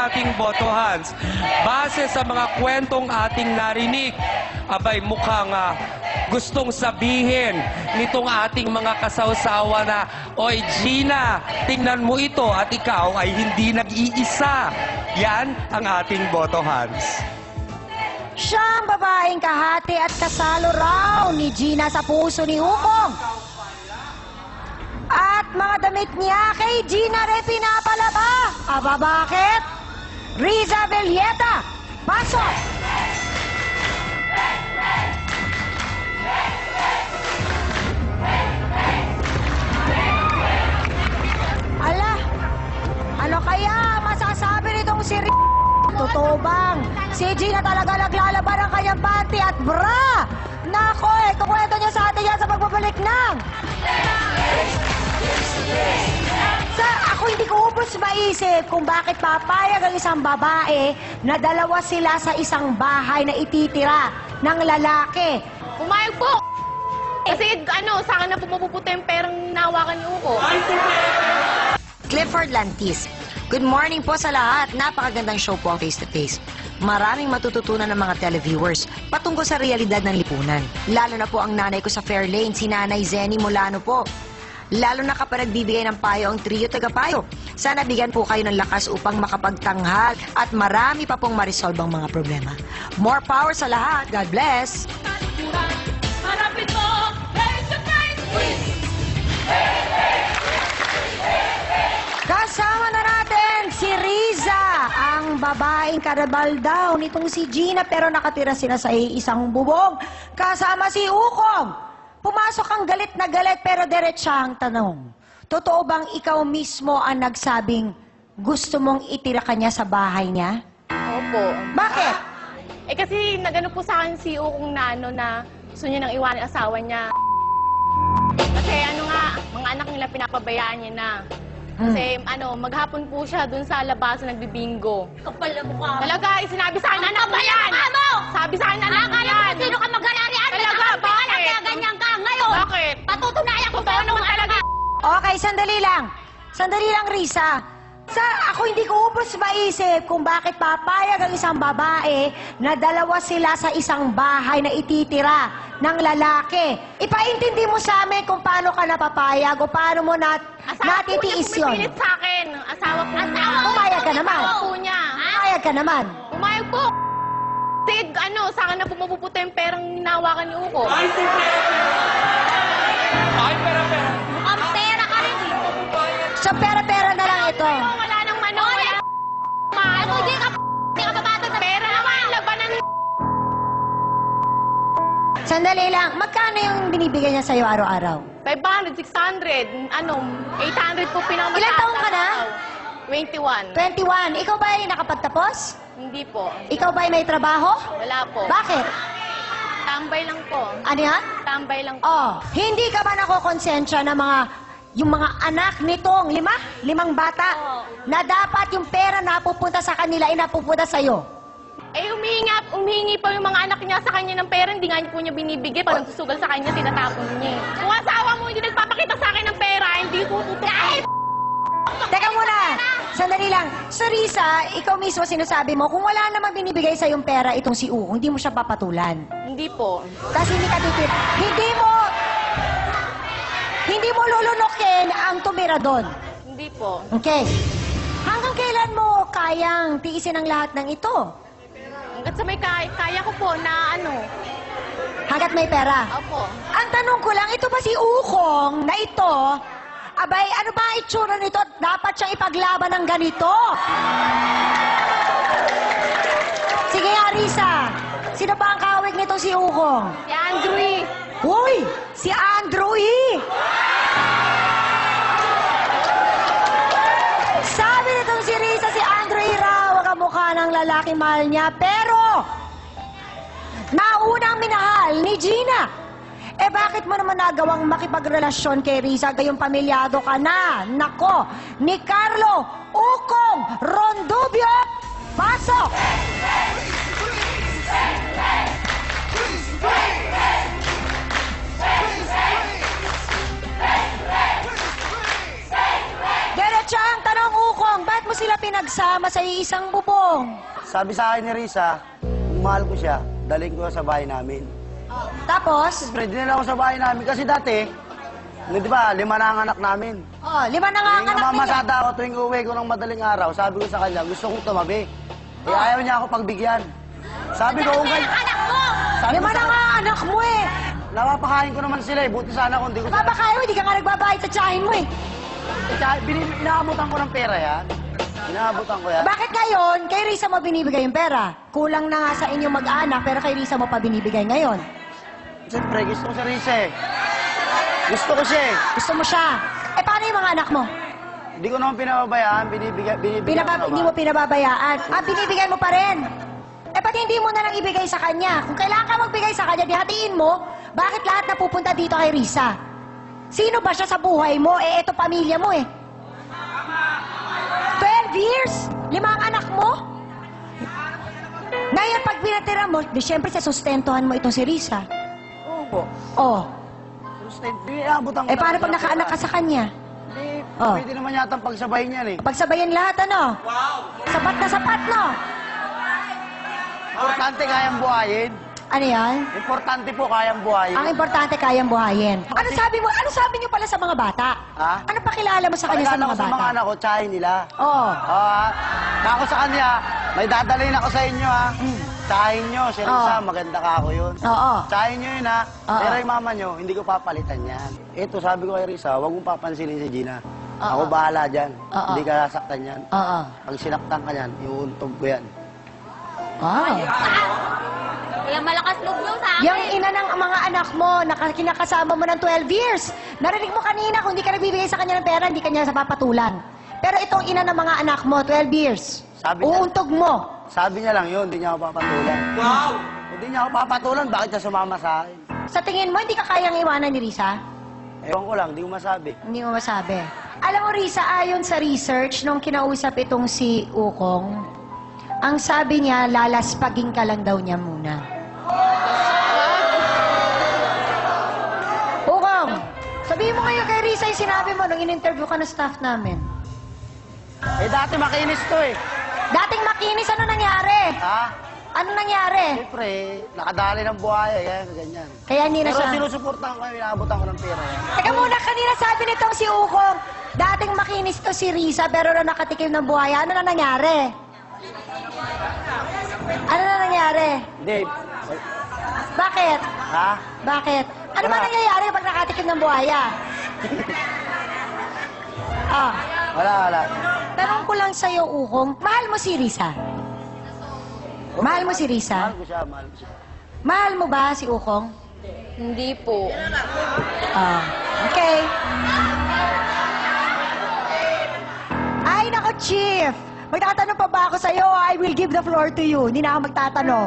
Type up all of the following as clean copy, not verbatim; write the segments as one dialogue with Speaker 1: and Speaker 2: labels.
Speaker 1: ating botohans. Base sa mga kwentong ating narinig, abay mukhang gustong sabihin nitong ating mga kasawsawa na, "Oy Gina, tingnan mo ito at ikaw ay hindi nag-iisa." Yan ang ating botohans.
Speaker 2: Siya ang babaeng kahati at kasalo raw ni Gina sa puso ni Ukong. At mga damit niya kay Gina rin pinapalaba. Aba bakit? Riza Villeta, pasok! Ala, ano kaya masasabi nitong si Totoo bang si Gina talaga naglalaban ng kanyang panty at bra? Nako, kukwento niya sa atin yan sa pagbabalik ng... Ako hindi ko ubos maisip kung bakit papayag ang isang babae na dalawa sila sa isang bahay na ititira ng lalaki.
Speaker 3: Pumayag po! Kasi sa akin na pumapupunta yung perang nawakan ni Uko.
Speaker 2: Clifford Lantis. Good morning po sa lahat. Napakagandang show po ang Face to Face. Maraming matututunan ng mga televiewers patungkol sa realidad ng lipunan. Lalo na po ang nanay ko sa Fairlane, si Nanay Zenny Molano po. Lalo na kapag nagbibigay ng payo ang trio tagapayo. Sana bigyan po kayo ng lakas upang makapagtanghal at marami pa pong ma-resolve ang mga problema. More power sa lahat. God bless!
Speaker 3: Harapin mo! Face to face!
Speaker 2: Kasama na natin si Riza, ang babaeng karabal daw nitong si Gina, pero nakatira sila sa isang bubong. Kasama si Ukong. Pumasok ang galit na galit pero diretsahang tanong. Totoo bang ikaw mismo ang nagsabing gusto mong itira kanya sa bahay niya?
Speaker 3: Opo.
Speaker 2: Bakit?
Speaker 3: Kasi nagano po sa akin si Ukong na gusto niya nang iwanan ang asawa niya. Kasi mga anak nila pinapabayaan niya na. Kasi maghapon po siya dun sa labasan nagbibingo.
Speaker 4: Kapal na mukha mo.
Speaker 3: Talaga, sinabi sa akin anak mo yan! Sabi sa akin anak mo yan!
Speaker 4: Sino ka mag-alarian?
Speaker 3: Talaga, bakit?
Speaker 4: Kaya ganyan ka ngayon.
Speaker 3: Bakit?
Speaker 4: Patutunayan ko
Speaker 3: Totoo naman talaga.
Speaker 2: Okay, sandali lang. Sandali lang, Riza. Ako hindi ko ubos maisip kung bakit papayag ang isang babae na dalawa sila sa isang bahay na ititira ng lalaki. Ipaintindi mo sa amin kung paano ka napapayag o paano mo natitiis
Speaker 3: Asawa po niya
Speaker 2: yun.
Speaker 3: pumipilit sa akin. Asawa po niya.
Speaker 2: Pumayag ka naman.
Speaker 3: Asawa po niya.
Speaker 2: Pumayag ka naman.
Speaker 3: Pumayag po. Kasi sa akin na pumapupunta yung perang nawakan ni Uko.
Speaker 1: Ay, pera.
Speaker 4: Ang pera ka rin.
Speaker 2: So, pera-pera na lang ito.
Speaker 3: Wala nang wala.
Speaker 4: Ako hindi ka babata sa
Speaker 3: Pera naman, labanan ni...
Speaker 2: Sandali lang. Magkano yung binibigay niya sa'yo araw-araw?
Speaker 3: 500, 600, 800 po pinakamataas.
Speaker 2: Ilan taon ka na?
Speaker 3: 21.
Speaker 2: 21. Ikaw ba ay nakapagtapos?
Speaker 3: Hindi po.
Speaker 2: Ikaw ba ay may trabaho?
Speaker 3: Wala po.
Speaker 2: Bakit?
Speaker 3: Tambay lang po.
Speaker 2: Ano yan?
Speaker 3: Tambay lang po.
Speaker 2: Oh, hindi ka ba nakokonsensya na yung mga anak nitong limang bata na dapat yung pera na pupunta sa kanila ay napupunta sa'yo?
Speaker 3: Humihingi pa yung mga anak niya sa kanya ng pera, hindi nga niya po niya binibigay. Pag nagsusugal sa kanya, tinatapon niya. Kung asawa mo hindi nagpapakita sa akin ng pera, hindi ko tutukain.
Speaker 2: Teka muna, sandali lang. So Riza, ikaw mismo sinasabi mo, kung wala namang binibigay sa yung pera itong si U, hindi mo siya papatulan.
Speaker 3: Hindi po.
Speaker 2: Tapos hindi ka titit. Hindi mo lulunukin ang tumira doon.
Speaker 3: Hindi po.
Speaker 2: Okay. Hanggang kailan mo kayang tiisin ang lahat ng ito?
Speaker 3: Hanggat sa may kaya ko po na
Speaker 2: Hanggat may pera?
Speaker 3: Opo.
Speaker 2: Ang tanong ko lang, ito ba si Ukong na ito, abay, ano ba ang itsura nito? Dapat siyang ipaglaban ng ganito. Sige nga, Riza. Sino ba ang kawig nito si Ukong?
Speaker 3: Si Andrew eh.
Speaker 2: Uy! Si Andrew E! Sabi nitong si Riza, si Andrew E raw ang kamukha ng lalaking mahal niya, pero naunang minahal ni Gina. Bakit mo naman nagawang makipagrelasyon kay Riza gayong pamilyado ka na? Nako, ni Carlo Ukong Rondubio, pasok! Diretso ang tanong, Ukong, ba't mo sila pinagsama sa isang bubong?
Speaker 5: Sabi sa akin ni Risa, kung mahal ko siya, dalhin ko sa bahay namin.
Speaker 2: Tapos,
Speaker 5: Siyempre, dinala ko sa bahay namin kasi dati, di ba, 5 na ang anak namin.
Speaker 2: 5 na nga ang
Speaker 5: Tuwing
Speaker 2: anak ninyo.
Speaker 5: namamasada ako, tuwing uwi ko ng madaling araw, sabi ko sa kanya, gusto kong tumabi. Ayaw niya ako pagbigyan. Sabi ko, kung ganyan,
Speaker 4: Anak mo!
Speaker 5: sabi ko
Speaker 2: 5 na
Speaker 5: sa
Speaker 2: nga ang anak mo eh.
Speaker 5: napapakain ko naman sila eh. Buti sana kung di ko sila...
Speaker 2: Babakain mo, hindi ka nga nagbabayad sa tsahin mo eh.
Speaker 5: Inaabutan ko ng pera yan. Inaabutan ko yan.
Speaker 2: Bakit ngayon, kay Risa mo binibigay yung pera? Kulang na nga sa inyong mag-anak, pero kay Risa mo pa binibigay ngayon.
Speaker 5: Siyempre, gusto ko si Risa eh. Gusto ko siya eh.
Speaker 2: Gusto mo siya. Eh, paano yung mga anak mo?
Speaker 5: Hindi ko naman pinababayaan, binibigyan ko
Speaker 2: Hindi mo pinababayaan. Ah, binibigay mo pa rin. Eh, pati hindi mo na lang ibigay sa kanya. Kung kailangan ka magbigay sa kanya, dihatiin mo, bakit lahat napupunta dito kay Risa? Sino ba siya sa buhay mo? Eh, eto pamilya mo eh. 12 years? 5 ang anak mo? Ngayon, pag binatira mo, di syempre sa sustentuhan mo itong si Risa.
Speaker 5: Opo.
Speaker 2: Oh,
Speaker 5: Inaabutan ko
Speaker 2: eh paano
Speaker 5: ng
Speaker 2: pag nakaanak ka sa kanya?
Speaker 5: Hindi,
Speaker 2: Oh.
Speaker 5: pwede naman yata pagsabayin yan eh.
Speaker 2: Pagsabayan lahat, ano? Sapat na sapat, no?
Speaker 5: Importante kayang buhayin.
Speaker 2: Ano yan?
Speaker 5: Importante po kayang buhayin.
Speaker 2: Ang importante, kayang buhayin. Ano sabi mo? Ano sabi niyo pala sa mga bata?
Speaker 5: Ha?
Speaker 2: Ano pakilala mo sa kanya sa
Speaker 5: Pakilala
Speaker 2: mga
Speaker 5: ko sa mga
Speaker 2: bata?
Speaker 5: anak ko, tsahin nila.
Speaker 2: Oo.
Speaker 5: Ako sa kanya, may dadalhin ako sa inyo ha. Tsahin nyo, si Risa,
Speaker 2: Oo.
Speaker 5: maganda ka ako yun.
Speaker 2: Oo.
Speaker 5: Tsahin nyo yun ha.
Speaker 2: Oo.
Speaker 5: Pero yung mama nyo, hindi ko papalitan yan. Ito, sabi ko kay Risa, huwag mong papansinin si Gina.
Speaker 2: Oo.
Speaker 5: Ako bahala dyan.
Speaker 2: Oo.
Speaker 5: Hindi ka sasaktan yan.
Speaker 2: Oo.
Speaker 5: Pag sinaktan ka yan, iuuntog ko yan.
Speaker 2: Wow.
Speaker 4: Kaya malakas loob nyo sa akin.
Speaker 2: Yung ina ng mga anak mo, kinakasama mo ng 12 years. Narinig mo kanina, kung hindi ka nagbibigay sa kanya ng pera, hindi kanya sa papatulan. Pero itong ina ng mga anak mo, 12 years.
Speaker 5: Sabi niya-
Speaker 2: Uuntog mo.
Speaker 5: Sabi niya lang yun, hindi niya ako papatulan. Wow! Hindi niya ako papatulan, bakit siya sumama sa akin?
Speaker 2: Sa tingin mo, hindi ka kayang iwanan ni Risa?
Speaker 5: Ewan ko lang, hindi ko masabi.
Speaker 2: Hindi mo masabi. Alam mo, Risa, ayon sa research, nung kinausap itong si Ukong, ang sabi niya, lalaspagin ka lang daw niya muna. Ukong, sabihin mo ngayon kay Risa yung sinabi mo nung in-interview ka ng staff namin.
Speaker 5: Eh dati makinis to eh.
Speaker 2: Dating makinis, ano nangyari?
Speaker 5: Ha?
Speaker 2: Ano nangyari?
Speaker 5: Siyempre, nakadali ng buhaya, ganyan.
Speaker 2: Kaya hindi na
Speaker 5: Pero
Speaker 2: siya...
Speaker 5: sinusuportahan ko, inaabutan ko ng pera yan.
Speaker 2: Teka muna, kanina sabi nitong si Ukong, dating makinis to si Risa, pero na nakatikim ng buhaya. Ano na nangyari? Ano na nangyari?
Speaker 5: Hindi.
Speaker 2: Bakit?
Speaker 5: Ha?
Speaker 2: Bakit? Ano ba
Speaker 5: Wala.
Speaker 2: nangyayari pag nakatikim ng buhaya? Ah,
Speaker 5: Wala.
Speaker 2: tanong ko lang sa'yo, Ukong, mahal mo si Risa? Mahal mo si Risa?
Speaker 5: Mahal ko siya, mahal ko siya.
Speaker 2: Mahal mo ba si Ukong?
Speaker 3: Hindi po.
Speaker 2: Ah, okay. Ay, nako, Chief! Magtatanong pa ba ako sa'yo? I will give the floor to you. Hindi na ako magtatanong.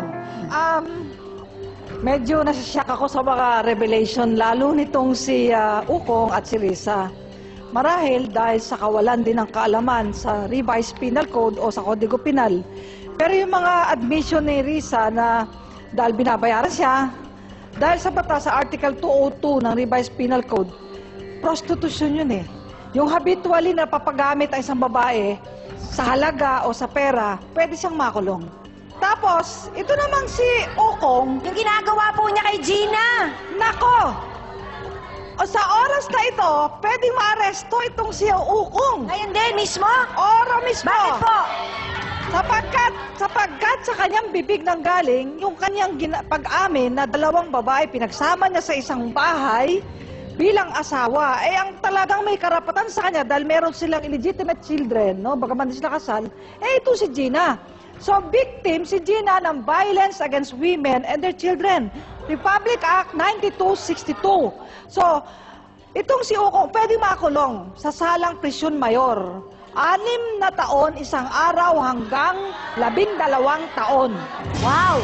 Speaker 6: Medyo nasasyak ako sa mga revelation, lalo nitong si Ukong at si Risa. Marahil dahil sa kawalan din ng kaalaman sa revised penal code o sa Kodigo Penal. Pero yung mga admission ni Risa na dahil binabayaran siya, dahil sa batas sa Article 202 ng revised penal code, prostitution yun eh. Yung habitually na papagamit ang isang babae sa halaga o sa pera, pwede siyang makulong. Tapos, ito namang si Ukong,
Speaker 2: Yung ginagawa po niya kay Gina.
Speaker 6: nako! O sa oras na ito, pwedeng maaresto itong si Ukong.
Speaker 2: Ngayon din, mismo?
Speaker 6: Oro mismo.
Speaker 2: Bakit po?
Speaker 6: Sapagkat sa kanyang bibig nang galing, yung kanyang pag-amin na 2 babae pinagsama niya sa isang bahay bilang asawa, eh ang talagang may karapatan sa kanya dahil meron silang illegitimate children, no? Bagaman di sila kasal, eh ito si Gina. So victim si Gina ng violence against women and their children. Republic Act 9262. So, itong si Ukong pwede makulong sa salang prisyon mayor. 6 na taon, 1 araw hanggang 12 taon.
Speaker 2: Wow!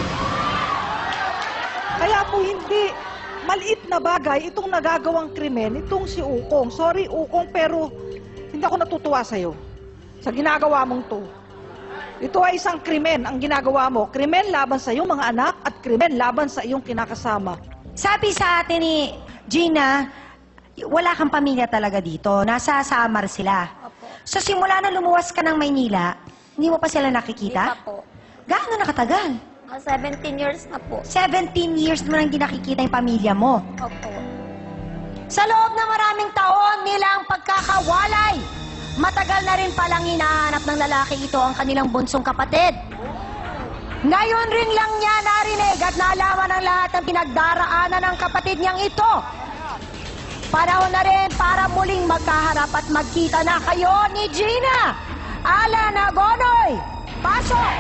Speaker 6: Kaya po hindi maliit na bagay itong nagagawang krimen, itong si Ukong. Sorry Ukong, pero hindi ako natutuwa sa'yo sa ginagawa mong to. Ito ay isang krimen ang ginagawa mo. Krimen laban sa iyong mga anak at krimen laban sa iyong kinakasama.
Speaker 2: Sabi sa atin ni Gina, wala kang pamilya talaga dito. Nasa Samar sila. So simula na lumuwas ka ng Maynila, Hindi mo pa sila
Speaker 4: Hindi
Speaker 2: nakikita?
Speaker 4: pa po.
Speaker 2: Gaano nakatagal?
Speaker 4: 17 years na po.
Speaker 2: 17 years mo nang hindi nakikita yung pamilya mo.
Speaker 4: Opo.
Speaker 2: Sa loob ng maraming taon nilang pagkakawalay, matagal na rin palang hinahanap ng lalaki ito ang kanilang bunsong kapatid. Ngayon rin lang niya narinig at nalaman ng lahat ng pinagdaraanan ng kapatid niyang ito. Panahon na rin para muling magkaharap at magkita na kayo ni Gina. Alan Agonoy, pasok!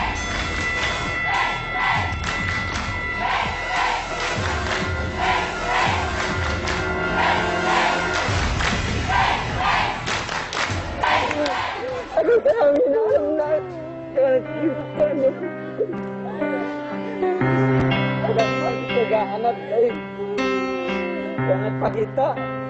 Speaker 7: Naghahanap kayo. Jangan pakita.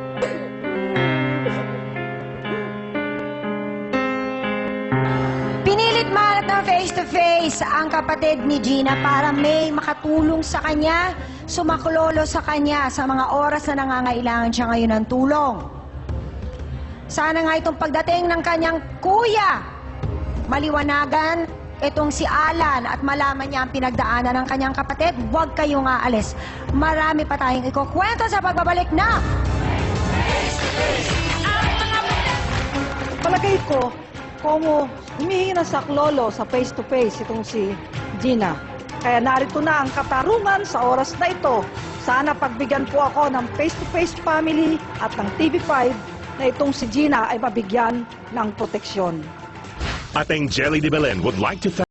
Speaker 2: Pinilit mahanap ng face-to-face ang kapatid ni Gina para may makatulong sa kanya, sumaklolo sa kanya sa mga oras na nangangailangan siya ngayon ng tulong. Sana nga itong pagdating ng kanyang kuya, maliwanagan itong si Alan at malaman niya ang pinagdaanan ng kanyang kapatid. Huwag kayong aalis. Marami pa tayong ikukwento sa pagbabalik na
Speaker 6: Palagay ko, kung humihingi na sa klolo sa face-to-face itong si Gina. Kaya narito na ang katarungan sa oras na ito. Sana pagbigyan po ako ng face-to-face family at ng TV5 na itong si Gina ay mabigyan ng proteksyon.
Speaker 8: Ating Jelly de Belen would like to thank